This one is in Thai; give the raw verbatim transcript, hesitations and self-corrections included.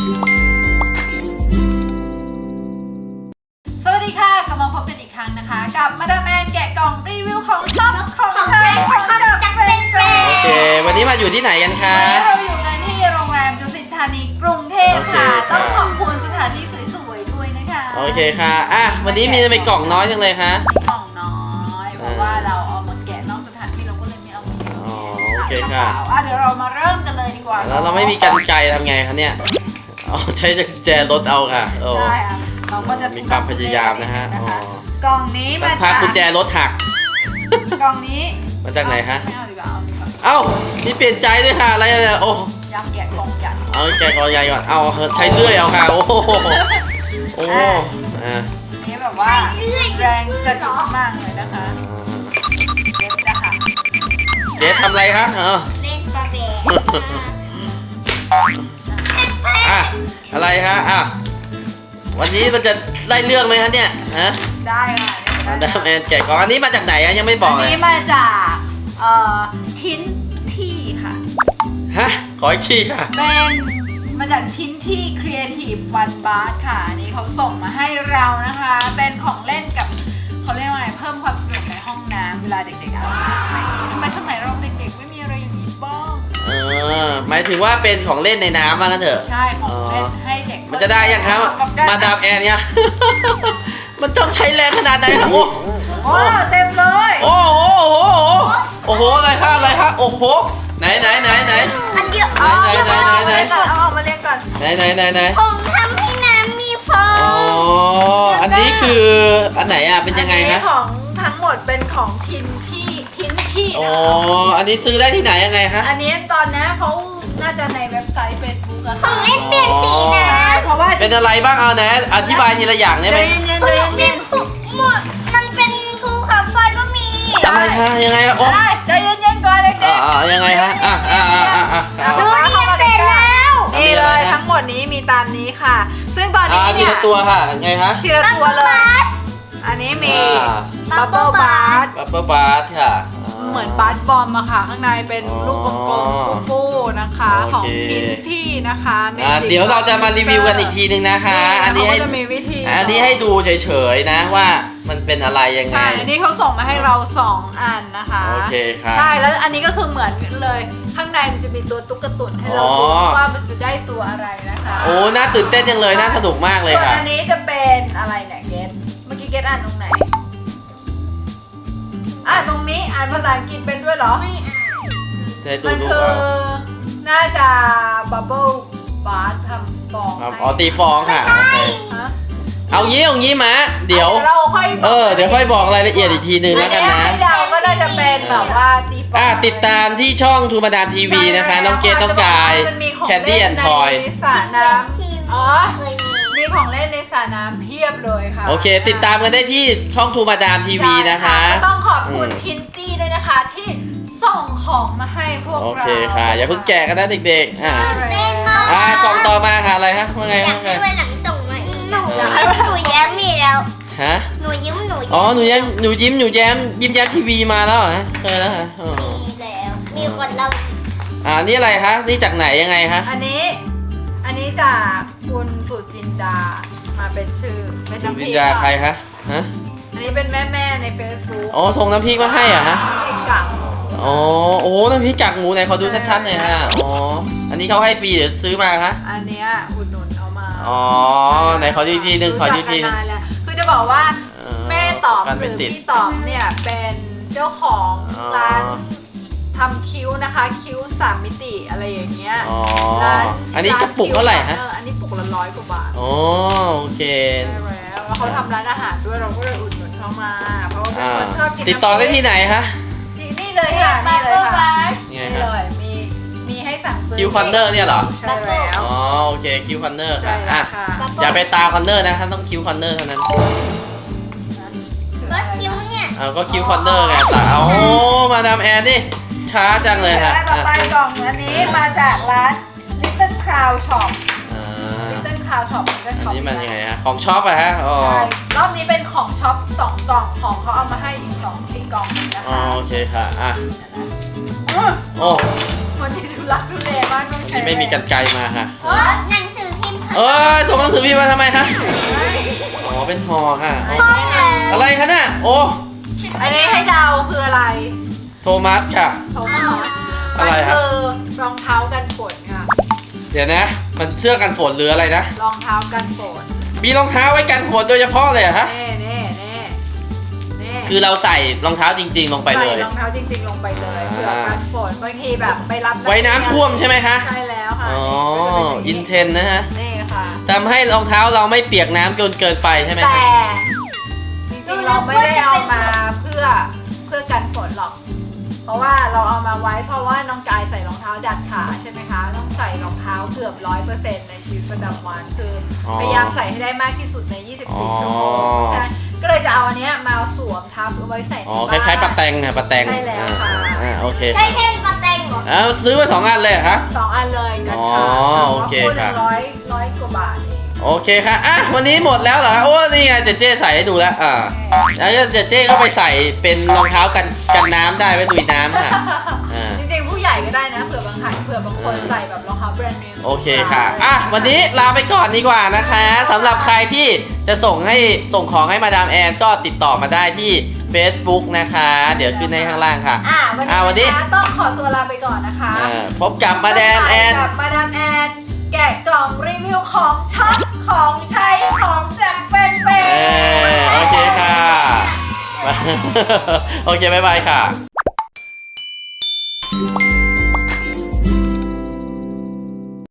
สวัสดีค่ะกลับมาพบกันอีกครั้งนะคะกับมาดามแอนแกะกล่องรีวิวของชอบของใช้ของจักเป็นเฟรนโอเควันนี้มาอยู่ที่ไหนกันคะวันนี้เราอยู่กันที่โรงแรมดุสิตธานีกรุงเทพค่ะต้องขอบคุณสถานที่สวยๆด้วยนะคะโอเคค่ะอ่ะวันนี้มีในกล่องน้อยจังเลยคะมีกล่องน้อยเพราะว่าเราเอามาแกะนอกสถานที่เราก็เลยไม่เอามาแกะอ๋อโอเคค่ะอ่ะเดี๋ยวเรามาเริ่มกันเลยดีกว่าแล้วเราไม่มีกรรไกรทำไงคะเนี่ยอ๋อใช้กุญแจรถเอาค่ะโอ้ได้อ่ะเราก็จะมีความพยายามนะฮะอ๋อกล่องนี้สัมากพักจากกุญแจรถหักกล่องนี้มาจากไหนฮะไม่เอาดีกว่าเอาดีกว่าเอ้านี่เปลี่ยนใจด้วยค่ะอะไรเนี่ยโอ้อยากแกะกล่องใหญ่เอาแกะกล่องใหญ่ก่อนเอาใช้เลื่อยเอาค่ะโอ้โหโอ้อ่ะอันนี้แบบว่าแรงสะดุดมากเลยนะคะเด็ดนะคะเจ๊ทำอะไรคะเออเล่นกระเบนอ่ะอะไรฮะอ่ะวันนี้มันจะได้เรื่องไหมคะเนี่ยฮะได้ค่ะมาดามแอนแกะกล่องอันนี้มาจากไหนอะยังไม่บอกอันเลยนี้มาจากเอ่อทิ้นที่ค่ะฮะขออีกทีค่ะเป็นมาจากทิ้นที่ Creative One Bar ค่ะอันนี้เขาส่งมาให้เรานะคะ เป็นของเล่นกับเขาเรียกว่าไงเพิ่มความสนุกในห้องน้ำเวลาเด็กๆอาบน้ำทำไมสมัยเราเด็กๆไม่มีอะไรอย่างนี้บ้างเออหมายถึงว่าเป็นของเล่นในน้ำว่างั้นเถอะใช่ของเล่นให้เด็กมันจะได้ยังครับกับกรมาดามแอนเนี่ย มันต้องใช้แรงขนาดไหนครับโอ้โอ้เต็มเลยโอ้โหโอ้โหโอ้โหอะไรคะอะไรคะโอ้โหไหนไหนไหนไหนอันเดียวไหนไหนไหนไหนไหนเอาออกมาเรียนก่อนไหนไหนไหนไหนผมทำให้น้ำมีฟออ๋อง อันนี้คืออันไหนอ่ะเป็นยังไงอันคะนี้ของทั้งหมดเป็นของทินที่ทินที่อ๋อนะคะอันนี้ซื้อได้ที่ไหนยังไงคะอันนี้ตอนนี้เขาน่าจะในเว็บไซต์ Facebook อะขอค่ะงเล่นเปลี่ยนสีนะเพราะว่าเป็นอะไรบ้างเอาไหนอธิบายทีละอย่างได้ไหมใจเย็นๆเปใจลี่ยนเย็นหมดมันเป็นภูเขาไฟก็มีอะไรคะยังไงคะโอ้ๆได้ใจเย็นๆก่อนเด็กอ่าอ่ายังไงฮะอ่ะอ่าอ่าอ่าอ่าๆเอาดูมานี่เข้ามาเสร็จแล้วนี่เลยทั้งหมดนี้มีตามนี้ค่ะ ซึ่งตอนอ่านี้ทีเนี่ยละตัวค่ะไงคะทีละตัวเลย อันนี้มีอ่าบับเบิ้ลบาร์บับเบิ้ลบาร์ค่ะาเหมือนบาร์บอมอะค่ะ ข้างในเป็นลูกกลมๆฟูๆนะคะโอของเคทินที่นะคะอ่า Magic เดี๋ยวเราจะมารีวิวกันอีกทีนึงนะคะ อันนี้ให้เขาก็จะมีวิธีอันนี้ให้ดูเฉยๆนะว่ามันเป็นอะไรยังไงใช่ อันนี้เขาส่งมาให้เราสองอันนะคะโอเคค่ะใช่ แล้วอันนี้ก็คือเหมือนกันเลย ข้างในมันจะมีตัวตุ๊กตุนให้เราอ๋อดูว่ามันจะได้ตัวอะไรนะคะโอ้น่าตื่นเต้นจังเลยน่าสนุกมากเลยส่วนค่ะอันนี้จะเป็นอะไรเนี่ยเกตเมื่อกี้เกตอ่านตรงไหน อ่านตรงนี้อ่านภาษาอังกฤษเป็นด้วยเหรอไม่อ่านให้ดูมันดูคือเอาน่าจะบับเบิลบาร์ทำฟองครับให้อ๋อตีฟองค่ะโอเคฮะเอางี้เอางี้มาเดี๋ยวเราค่อยบกเออเดี๋ยวค่อยบอกรายละเอียดอีกทีนึงแล้วกันนะอัให้เดาก็น่าจะเป็นแบบว่าตีฟองอ่าติดตามที่ช่องทูมาดามทีวีนะคะ น้องเกดน้องกายมันมีของแคนดี้แอนทอยในสระน้ำอ๋อเคยมีมีของเล่นในสระน้ำเพียบเลยค่ะโอเค ติดตามกันได้ที่ช่องทูมาดามทีวีนะคะใช่ก็ต้องขอบคุณอืมทินตี้ด้วยนะคะที่ส่งของมาให้พวกโอเราเคค่ะ อย่าเพิ่งแกะกันนะเด็กๆ อ่าเต้นมากอ่ากล่องต่อมาค่ะอะไรฮะว่าไงอยาว่าก ไงให้วันหลังส่งมาอีกหนูอยากให้วันหลังหนูแย้มมีแล้วฮะหนูยิ้มหนูยิ้มอ๋อ หนูแย้มหนูยิ้ม หนูแย้ม ยิ้มแย้มทีวีมาแล้วเหรอฮะเคยแล้วฮะอ๋อมีแล้ว มีคนเราอ่า นี่อะไรคะ นี่จากไหนยังไงคะอันนี้ อันนี้จากคุณสุจินดา มาเป็นชื่อ เป็นคุณน้ำพวิริญกญาอะใครคะ ฮะอันนี้เป็นแม่แม่ๆใน Facebook อ๋อ ส่งน้ำพริกมาให้เหรอ่ะฮะน้ำพริกกากหมูอ๋อ โอ้โหน้ำพริกกากหมูไหนเขาดูชัดๆหน่อยฮะ อ๋อ อันนี้เขาให้ฟรีหรือซื้อมาคะอันเนี้ยอุดหนุนเอามาอ๋อ ไหนขอดูอีกทีหนึ่งขอดูอีกทีหนึงรู้จักันนานแล้วคือจะบอกว่าเออแม่ต๋อมการหเป็รืนอติดพี่ต๋อมเนี่ยเป็นเจ้าของอ๋อร้านทำคิ้วนะคะ คิ้วสามมิติอะไรอย่างเงี้ยอ๋อร้านอันนี้กระปุกเท่าไหร่ฮะเอออันนี้ปุกละร้อยกว่าบาทอ๋อ โอเคใช่แล้วแล้วเขาทำร้านอาหารด้วยเราก็เลยอุดหนุนเขามา เพราะว่าเป็นอ่าคนชอบกินติดต่อได้ที่ไหนคะที่นี่เลยค่ะนี่เลยค่ะไงนี่ฮะเลยมีมีให้สั่งซื้อคิวคอนเนอร์เนี่ยเหรอใช่แล้วอ๋อ โอเค คิวคอนเนอร์ใช่ค่ะแล้อ่ะวค่ะอย่าไปตาคอนเนอร์นะท่านต้องคิวคอนเนอร์เท่านั้นก็คิ้วเนี่ยเอาก็คิวคอนเนอร์ไงตาเอาโอ้มาดามแอนนี่ ช้าจังเลยค่ะต่อไปกล่องอันนี้มาจากร้าน Little Crown Shop อ่า Little Crown Shop มันก็อันช็อปนี้มันยังไงฮะ ของช็อปอะฮะ อ๋อใช่รอบนี้เป็นของช็อปสองกล่องของเขาเอามาให้อีกสองที่กล่องนะอ๋อคะโอเคค่ะ อ่ะอืมโอ้วันนี้ทุลักทุเลมากต้องวันใช้นี้ไม่มีกันไกลมาค่ะโอ้หนังสือพิมพ์เอ้ยส่งหนังสือพิมพ์มาทำไมคะอ๋อเป็นห่อค่ะอ๋ออะไรคะน่ะโอ้อันนี้ให้เดาคืออะไรโทมัสค่ะโทมัสอะไรครับคือรองเท้ากันฝนค่ะเดี๋ยวนะ มันเสื้อกันฝนหรืออะไรนะรองเท้ากันฝนมีรองเท้าไว้กันฝนโดยเฉพาะเลยเหรอฮะเน่เน่เน่เน่คือเราใส่รองเท้าจริง ๆ ลงไปเลยใส่รองเท้าจริงๆลงไปเลยอ่าเพื่อกันฝนบางทีแบบไปรับไว้น้ำท่วมใช่ไหมคะใช่แล้วค่ะอ๋อ อินเทนนะฮะนี่ค่ะทำให้รองเท้าเราไม่เปียกน้ำจนเกินไปใช่ไหมแต่คะจริงๆเราไม่ได้เอามาเพื่อเพื่อกันฝนหรอก เพราะว่าเราเอามาไว้เพราะว่าน้องกายใส่รองเท้าดัดขาใช่ไหมคะ ต้องใส่รองเท้าเกือบร้อยเปอร์เซ็นต์ในชีวิตประจำวันคือออพยายามใส่ให้ได้มากที่สุดใน ยี่สิบสี่อ๋อชั่วโมงใช่ก็เลยจะเอาอันเนี้ยมาสวมทับเอาไว้ใส่ในอ๋อบ้านคล้ายๆปลาแตงค่ะปลาแตงใช่แล้วค่ะอ่าอ่าโอเคใช่ค่ะแท่งปลาแตงเหรออ้าวซื้อมาสองอันเลยเหรอคะสองอันเลยกันอ๋อค่ะโอเคคู่หค่ะนึ่งร้อยร้อยกว่าบาทเองโอเคค่ะอ่ะวันนี้หมดแล้วเหรอคะโอ้นี่ไงเจเจใส่ให้ดูแล้วอ่าแล้วเจเจก็ไปใส่เป็นรองเท้ากันกันน้ำได้ไว้ลุยน้ำค่ะอ่าจริงๆผู้ใหญ่ก็ได้นะเผื่อบางครั้งเผื่อบางคนเออใส่แบบรองเท้าแบรนด์เนมโอเคค่ะอ่ะวันนี้ลาไปก่อนดีกว่านะคะสำหรับใครที่จะส่งให้ส่งของให้มาดามแอนก็ติดต่อมาได้ที่ Facebook นะคะ เดี๋ยวขึ้นในข้างล่างค่ะอ่ะวันอ่ะวันนี้นี้นะคะต้องขอตัวลาไปก่อนนะคะอ่าพบกับมาดามแอนกับมาดามแอนแกะกล่องรีวิวของช็อปของใช้ของจากแฟนเพเออโอเคจค่ะ โอเค บ๊ายบายค่ะ